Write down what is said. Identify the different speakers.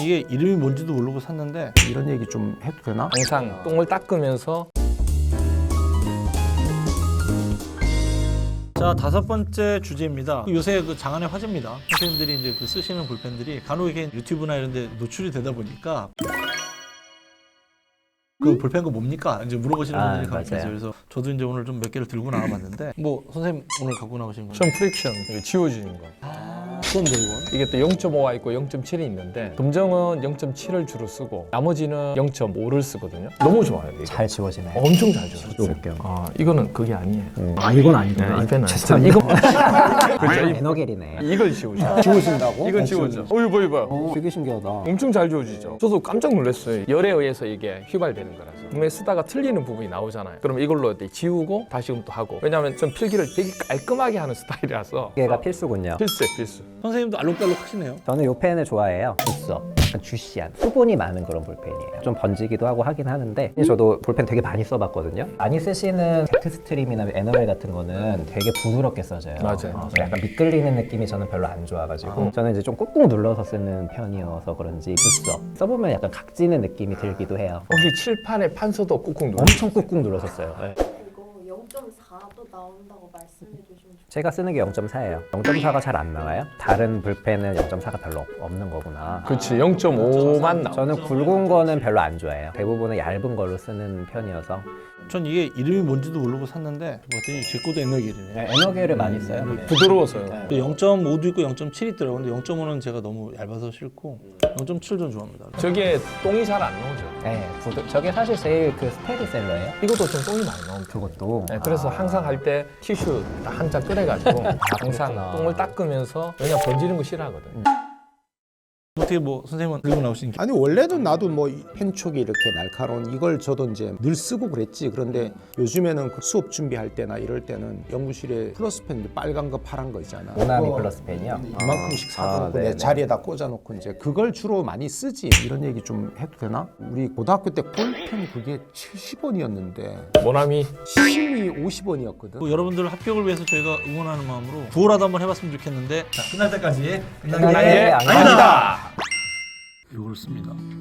Speaker 1: 이게 이름이 뭔지도 모르고 샀는데 이런 얘기 좀 해도 되나?
Speaker 2: 항상 똥을 닦으면서.
Speaker 1: 자, 5번째 주제입니다. 요새 그 장안의 화제입니다. 선생님들이 이제 그 쓰시는 볼펜들이 간혹 이게 유튜브나 이런 데 노출이 되다 보니까 그 볼펜 거 뭡니까? 이제 물어보시는 분들이 간혹 계세요. 그래서 저도 이제 오늘 좀 몇 개를 들고 나와봤는데 뭐 선생님 오늘 갖고 나오신 거
Speaker 2: 션 프릭션 지워주는 거.
Speaker 1: 그건데 이건?
Speaker 2: 이게 또 0.5가 있고 0.7이 있는데 금정은 0.7을 주로 쓰고 나머지는 0.5를 쓰거든요. 너무 좋아요. 이거.
Speaker 3: 잘 지워지네.
Speaker 2: 엄청 잘 지워요.
Speaker 3: 지워볼게요.
Speaker 2: 아, 이거는 그게 아니에요.
Speaker 3: 아 이건 아니구나.
Speaker 2: 네, 이 펜은
Speaker 3: 죄송합니다.
Speaker 2: 이거
Speaker 3: 그렇죠. 에너겔이네.
Speaker 2: 이걸 지우죠.
Speaker 3: 지우신다고?
Speaker 2: 이건 지워져. 이거 이봐요.
Speaker 3: 되게 신기하다.
Speaker 2: 엄청 잘 지워지죠. 저도 깜짝 놀랐어요. 열에 의해서 이게 휘발되는 거라서. 분명히 쓰다가 틀리는 부분이 나오잖아요. 그럼 이걸로 지우고 다시금 또 하고. 왜냐하면 전 필기를 되게 깔끔하게 하는 스타일이라서.
Speaker 3: 얘가 필수군요.
Speaker 2: 필수.
Speaker 1: 선생님도 알록달록 하시네요.
Speaker 3: 저는 이 펜을 좋아해요. 주서. 약간 주시한 수분이 많은 그런 볼펜이에요. 좀 번지기도 하고 하긴 하는데 저도 볼펜 되게 많이 써봤거든요. 많이 쓰시는 잭스트림이나 에너겔 같은 거는 되게 부드럽게 써져요.
Speaker 2: 맞아요.
Speaker 3: 약간 미끌리는 느낌이 저는 별로 안 좋아가지고 저는 이제 좀 꾹꾹 눌러서 쓰는 편이어서 그런지 주서. 써보면 약간 각지는 느낌이 들기도 해요.
Speaker 2: 혹시 칠판에 판서도 꾹꾹 눌러?
Speaker 3: 엄청 꾹꾹 눌러서 써요. 네.
Speaker 4: 이거 0.4도 나온다고 말씀해 주시면 좋겠어요.
Speaker 3: 제가 쓰는 게 0.4예요. 0.4가 잘 안 나와요? 다른 볼펜은 0.4가 별로 없는 거구나.
Speaker 2: 그렇지. 0.5만 나와.
Speaker 3: 저는 굵은 거는 별로 안 좋아해요. 대부분은 얇은 걸로 쓰는 편이어서.
Speaker 1: 전 이게 이름이 뭔지도 모르고 샀는데 봤더니 제 것도 에너겔이네.
Speaker 3: 네, 에너겔을 많이 써요. 네.
Speaker 2: 부드러워서요.
Speaker 1: 0.5도 있고 0.7이 있더라고요. 근데 0.5는 제가 너무 얇아서 싫고 0.7 좀 좋아합니다.
Speaker 2: 저게 똥이 잘 안 나오죠.
Speaker 3: 네, 저게 사실 제일 그 스테디셀러예요.
Speaker 2: 이것도 좀 똥이 많이 나옵니다.
Speaker 3: 그것도.
Speaker 2: 네, 그래서 항상 할 때 티슈 한 장 꺼내가지고 항상
Speaker 3: 그렇구나.
Speaker 2: 똥을 닦으면서 왜냐 번지는 거 싫어하거든.
Speaker 1: 어떻게 뭐 선생님은 들고 나오신 게
Speaker 5: 아니 원래는 나도 뭐 펜촉이 이렇게 날카로운 이걸 저도 이제 늘 쓰고 그랬지. 그런데 요즘에는 그 수업 준비할 때나 이럴 때는 연구실에 플러스 펜 빨간 거 파란 거 있잖아.
Speaker 3: 모나미
Speaker 5: 그거
Speaker 3: 플러스 펜이요?
Speaker 5: 이만큼씩 사놓고
Speaker 3: 네네.
Speaker 5: 내 자리에다 꽂아놓고 이제 그걸 주로 많이 쓰지.
Speaker 1: 이런 얘기 좀 해도 되나?
Speaker 5: 우리 고등학교 때 볼펜 그게 70원이었는데
Speaker 2: 모나미
Speaker 5: 시심이 50원이었거든.
Speaker 1: 뭐 여러분들 합격을 위해서 저희가 응원하는 마음으로 구호라도 한번 해봤으면 좋겠는데 자, 끝날 때까지
Speaker 3: 끝날 때 아니다.
Speaker 1: 이걸 씁니다.